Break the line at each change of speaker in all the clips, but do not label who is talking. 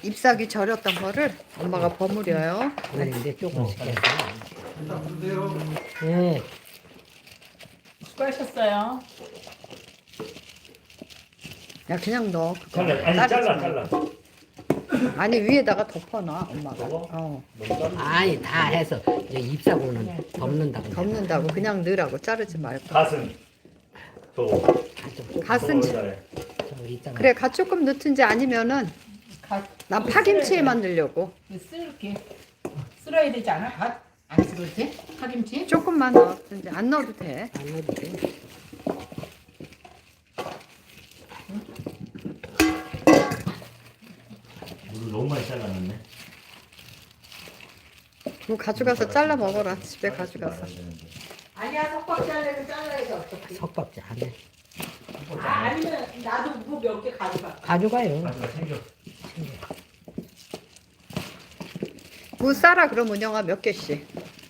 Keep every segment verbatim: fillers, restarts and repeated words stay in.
잎사귀 절였던 거를 엄마가 버무려요.
그런데 조금씩 해서.
네.
예.
수고하셨어요.
야 그냥 넣어. 그거.
잘라, 아니
자르지
잘라,
말고.
잘라.
아니 위에다가 덮어놔 엄마가.
저거?
어.
너무 자르지.
아니 다 해서 이제 잎사고는 덮는다고.
덮는다고 그냥 넣으라고 자르지 말고.
가슴. 저거.
갓은
저거 잘해.
있잖아.
그래 갓 조금 넣든지 아니면은
갓
난 파김치에만 넣으려고
쓸게. 쓸어야 되지 않아? 갓? 안 쓸었지? 파김치?
조금만 넣든지 안 넣어도 돼.
안 넣어도 돼.
물을 너무 많이 잘랐네.
그거 가져가서 잘라 먹어라. 집에 가져가서.
아니야, 석박 잘라도 잘라야지 어차피.
석박지 안 해.
아, 아니면 나도 뭐 몇 개 가져가.
가져가요.
가슴가 챙겨.
무 싸라 그럼 은영아 몇 개씩.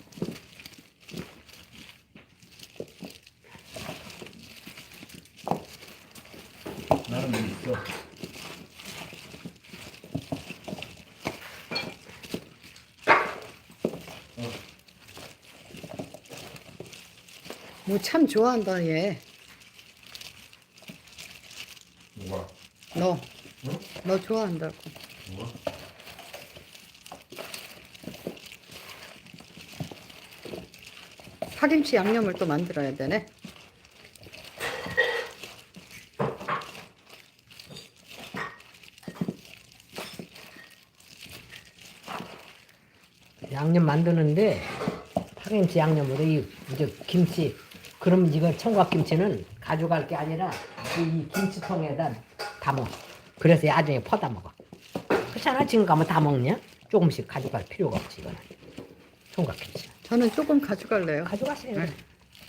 나는 뭐 있어.
무 참 좋아한다 얘.
뭐가?
너.
응?
너 좋아한다고.
뭐가?
파김치 양념을 또 만들어야 되네.
양념 만드는데 파김치 양념으로 이 이제 김치 그럼 이거 청각김치는 가져갈 게 아니라 이 김치통에다 담아. 그래서 나중에 퍼다 먹어. 그렇잖아. 지금 가면 다 먹냐? 조금씩 가져갈 필요가 없지 이거는. 청각김치.
저는 조금 가져갈래요.
가져가세요.
네.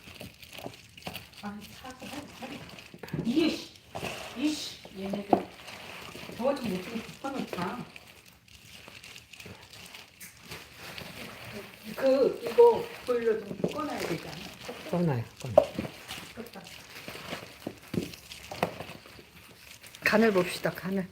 아, 사서 할 이씨, 이씨, 얘네들 저거 좀 못좀 붙여놓자. 그 이거 보일러 좀 꺼놔야 되지 않아?
꺼놔요. 꺼놔.
껐다.
간을 봅시다. 간을.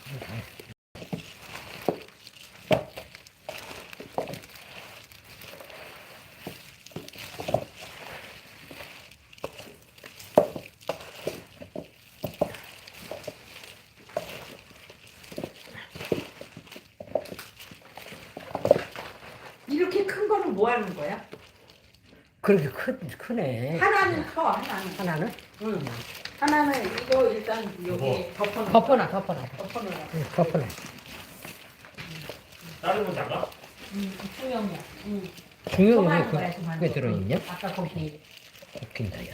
이렇게 큰 거는 뭐 하는 거야?
그렇게 크, 크네.
하나는 커, 하나는.
하나는?
응. 하나는 이거 일단 여기 덮어놓.
덮어놔, 덮어놔.
덮어놓으라.
응, 덮어놔.
다른 건 작아?
응, 중형이야. 응.
중요한
조그마한
게
거야,
그,
조그마한
그게
거.
들어있냐?
아까 거기
웃긴다, 야.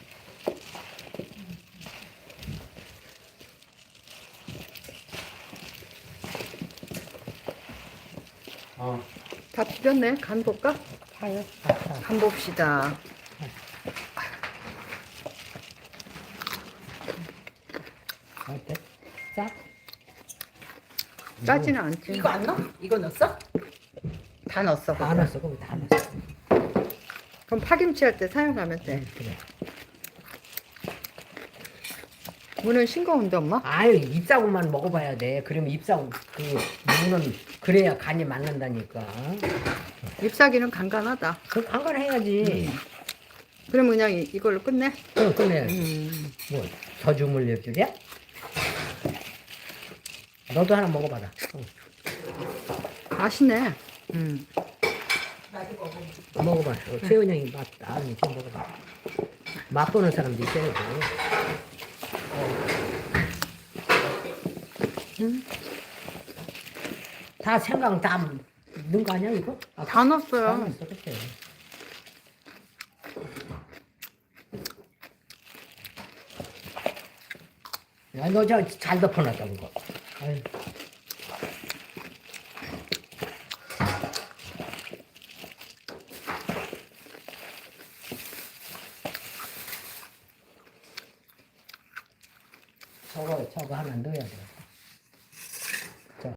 어.
다 비볐네. 간 볼까?
파요?
간 봅시다.
어때? 짜?
짜지는 않지.
이거 안 넣어? 이거 넣었어?
다 넣었어.
다
거기.
넣었어, 거기 다 넣었어.
그럼 파김치 할 때 사용하면 돼.
응, 그래.
무는 싱거운데 엄마?
아유, 잎사구만 먹어봐야 돼. 그러면 잎사구, 그, 무는 그래야 간이 맞는다니까.
잎사귀는 간간하다.
그, 한건 해야지.
그럼 그냥 이, 이걸로 끝내?
그럼 끝내야지.
음.
뭐, 저주 물릴 줄이야? 너도 하나 먹어봐라. 응.
맛있네. 음.
나도 먹어.
먹어봐. 어, 채은이 형이 맛다. 이제 먹어봐. 맛보는 사람도 있어야지.
음.
다 생강 다 넣은 거 아니야, 이거? 아,
다 넣었어요.
다 넣었어, 그치? 야, 너 저 잘 덮어놨다, 그거. 아유. 저거, 저거 하나 넣어야 돼.